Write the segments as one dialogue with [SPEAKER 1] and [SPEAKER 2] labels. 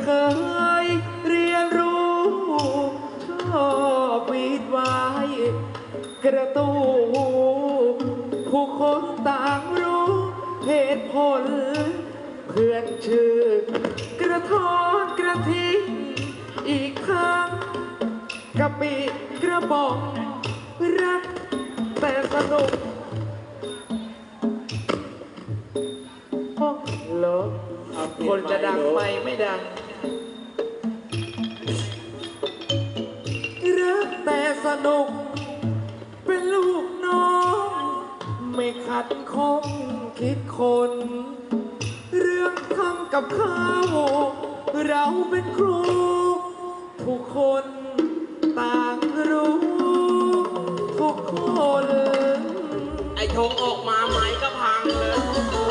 [SPEAKER 1] เคยเรียนรู้ชอบวีดไว้กระตูผู้คนต่างรู้เหตุผลเพื่อนชื่อกระท้อนกระทิงอีกครั้งกะปิกระบอกรักแต่สนุกเหรอคนจะดังไปไม่ดังรักแต่สนุกเป็นลูกน้องไม่ขัดข้องคิดคนเรื่องทำกับข้าวเราเป็นครูทุกคนต่างรู้ทุกคน
[SPEAKER 2] ไอ้ธงออกมาไม้ก็พังเลย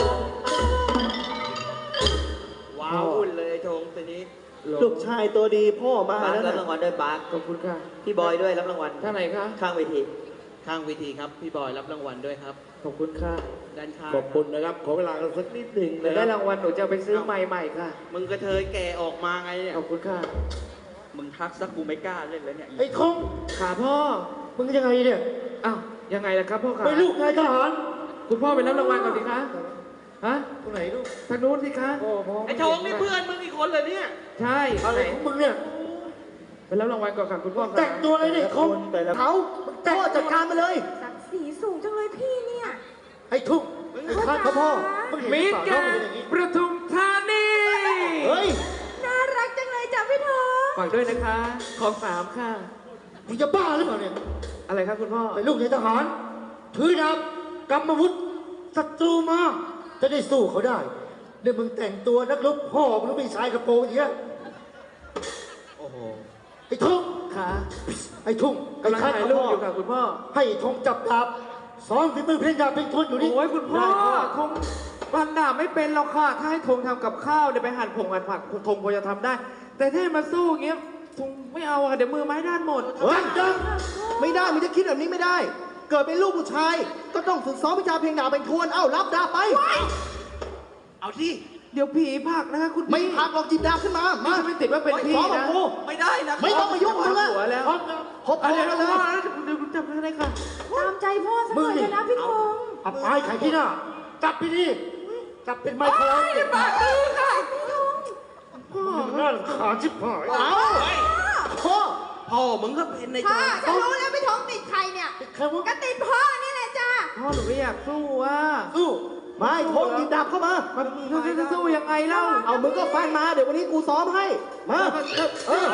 [SPEAKER 2] ว้าวอุ่นเลยไอ้ธงทีนี้
[SPEAKER 3] ลูกชายตัวดีพ่อมาแล้ว
[SPEAKER 4] รับ
[SPEAKER 3] นะ
[SPEAKER 4] รางวัลด้วยปาร์ค
[SPEAKER 1] ขอบคุณค่ะ
[SPEAKER 4] พี่บอยด้วยรับรางวัล
[SPEAKER 1] ท่านไหนคะ
[SPEAKER 4] ข้างเวที
[SPEAKER 2] ข้างเวทีครับพี่บอยรับรางวัลด้วยครับ
[SPEAKER 1] ขอบคุณค่ะ
[SPEAKER 2] ด้านข้าง
[SPEAKER 5] ขอบคุณนะครับ ขอเวลากันสักนิดหนึ่ง
[SPEAKER 1] เดี๋ย
[SPEAKER 5] นะ
[SPEAKER 1] ว
[SPEAKER 5] ค
[SPEAKER 1] ได้
[SPEAKER 5] รับ
[SPEAKER 1] รางวัลหนูจะเอาไปซื้อไม้ใหม่ค่ะ
[SPEAKER 2] มึงกระเทยแก่ออกมาไงเนี่ย
[SPEAKER 1] ขอบคุณค่ะ
[SPEAKER 4] มึงทักสักกูไม่กล้าเล่นแล้วเนี่ย
[SPEAKER 3] ไอ้ทง
[SPEAKER 1] ขาพ่อ
[SPEAKER 3] มึงยังไงเนี่ย
[SPEAKER 1] อ้าวยังไงล่ะครับพ่อขา
[SPEAKER 3] ไปลูกนายทหาร
[SPEAKER 1] คุณพ่อไปรับรางวัลก่อนสิคะฮะ
[SPEAKER 3] ตรงไหนลูก
[SPEAKER 1] ทางนู้นสิคะ
[SPEAKER 2] ไอ้ธงนี่เพื่อนมึงอีกคนเลยเนี่ย
[SPEAKER 1] ใช่
[SPEAKER 3] อะไรของมึงเนี่ย
[SPEAKER 1] ไปรับรางวัลก่อนค่ะคุณพ่อค่ะ
[SPEAKER 3] แต่งตัวอะไรเนี่ยทงเขาพ่อจัดการมาเลย
[SPEAKER 6] ศักดิ์ศรีสูงจังเลยพี่เนี่ย
[SPEAKER 3] ไอ้ทุ่งไอ้ข้าเขาพ่อมึงเห็น
[SPEAKER 1] มิตร
[SPEAKER 3] สาว
[SPEAKER 1] แก
[SPEAKER 3] น้อง
[SPEAKER 1] น
[SPEAKER 3] เป็นอย่างนี้
[SPEAKER 1] ประทุมธานี
[SPEAKER 3] เฮ้ย
[SPEAKER 6] น่ารักจังเลยจ้ะพี่ทอง
[SPEAKER 1] ฝากด้วยนะคะ ของสามค่ะ
[SPEAKER 3] มึงจะบ้าหรือเปล่าเนี่ย
[SPEAKER 1] อะไรครับคุณพ่อ
[SPEAKER 3] เป็นลูกนายทหาร ถือดาบกำมวุธศัตรูมา จะได้สู้เขาได้เดี๋ยวมึงแต่งตัวนักรบพ่อมึงไม่ใส่กระโปรงอย่างเงี้ย
[SPEAKER 2] โอ้โห
[SPEAKER 3] ไอ้ทุ่ง
[SPEAKER 1] ค่ะ
[SPEAKER 3] ไอ้ทุ่ง
[SPEAKER 1] กำลังถ่ายรูปอยู่ค่ะคุณพ่อ
[SPEAKER 3] ให้ไอ้ทุ่งจับดาบสอนฝีมือเพลงดาบเพลงทวนอยู่นี่
[SPEAKER 1] โอ้ยคุณพ่อ
[SPEAKER 3] ได้พ่อ
[SPEAKER 1] คงปันดาบไม่เป็นหรอกค่ะ ถ้าให้ธงทำกับข้าวเดี๋ยวไปหั่นผงหั่นผักธงพอจะทำได้ แต่ถ้าให้มาสู้อย่างเงี้ยธงไม่เอาอะเดี๋ยวมือไม้ด้านหมด
[SPEAKER 3] เฮ้ยจังไม่ได้มึงจะคิดแบบนี้ไม่ได้ เกิดเป็นลูกผู้ชาย ก็ต้องฝึกซ้อมวิชาเพลงดาบเพลงทวน เอ้ารับดาบไป
[SPEAKER 2] เอาที่
[SPEAKER 1] เดี๋ยวผีผลักนะคะคุณ
[SPEAKER 3] ไม่
[SPEAKER 1] พี่
[SPEAKER 3] พักหรอกจิบดาบขึ้นมา
[SPEAKER 1] นี่
[SPEAKER 3] มา
[SPEAKER 1] จะไม่ติดว่าเป็นพี่
[SPEAKER 3] ซ้อมกับ
[SPEAKER 1] นะ
[SPEAKER 3] กู
[SPEAKER 2] ไม่ได้นะ
[SPEAKER 3] ไม่ต้องมายุ่งมึงละ
[SPEAKER 1] หัวแล้ว
[SPEAKER 3] พบ
[SPEAKER 1] เอา
[SPEAKER 3] พ่อ
[SPEAKER 1] เดี๋ยว
[SPEAKER 3] แล้ว
[SPEAKER 1] พ่อ
[SPEAKER 3] เลย
[SPEAKER 1] เดี๋ยวจับอะไรค่ะ
[SPEAKER 6] ตามใจพ่อสักหน่อยเถอะนะพี่ทอง
[SPEAKER 3] อับอายไข่ที่หน้าจับไปดิจับเป็นไมโคร
[SPEAKER 1] ปากมือค่ะ
[SPEAKER 3] น่ารำขาญชิบหายเอ้าพ่อ
[SPEAKER 2] พ่อมึงก็เป็นในธ
[SPEAKER 6] พ่อง ฉันรู้แล้วพี่ทองติดใครเนี่ย
[SPEAKER 3] ใครวะ
[SPEAKER 6] ก็ติดพ่อนี่แหละจ้ะ
[SPEAKER 1] พ่อหนูไม่อยากสู้อ่ะ
[SPEAKER 3] สู้ไม่โทงจิบดาบเข้ามา
[SPEAKER 1] มันจะสู้ยังไงเล่า
[SPEAKER 3] เอามึงก็ฟังมา เดี๋ยววันนี้กูซ้อมให้ มาเออ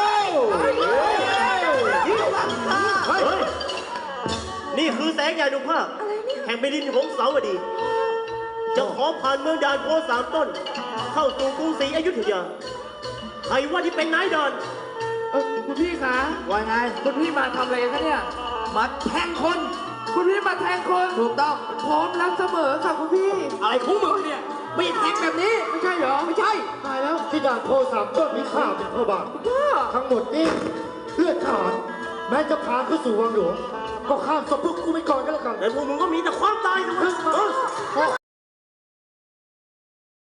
[SPEAKER 3] นี่คือแสงใหญ่ดุภาพ
[SPEAKER 6] อะไรเนี่ย
[SPEAKER 3] แห่งแผ่นดินของสาวดี จะขอผ่านเมืองด่านโพสามต้น เข้าสู่กรุงศรีอยุธยา ใครว่าที่เป็นนายด่าน
[SPEAKER 1] คุณพี่คะ
[SPEAKER 3] ว่าไง
[SPEAKER 1] คุณพี่มาทำอะไรกันคะเนี่ย
[SPEAKER 3] มาแทงคน
[SPEAKER 1] คุณพี่มาแทงคน
[SPEAKER 3] ถูกต้อง
[SPEAKER 1] พร้อมรับเสมอค่ะคุณพี่
[SPEAKER 3] อะไรของมึงเนี่ย ไม่แทงแบบนี้
[SPEAKER 1] ไม่ใช่เหรอ
[SPEAKER 3] ไม่ใช่
[SPEAKER 1] ตายแล้ว
[SPEAKER 3] ที่ด่านโพสามต้นมีข้าวเป็นพระบาท
[SPEAKER 1] พ่อ
[SPEAKER 3] ทั้งหมดนี้เลือดทหารแม้จะผ่านเข้าสู่วังหลวง ก็ข้ามศพพวกกูไปก่อนก็แล้วกันแต่พวกมึงก็มีแต่ความตายนะเว้ย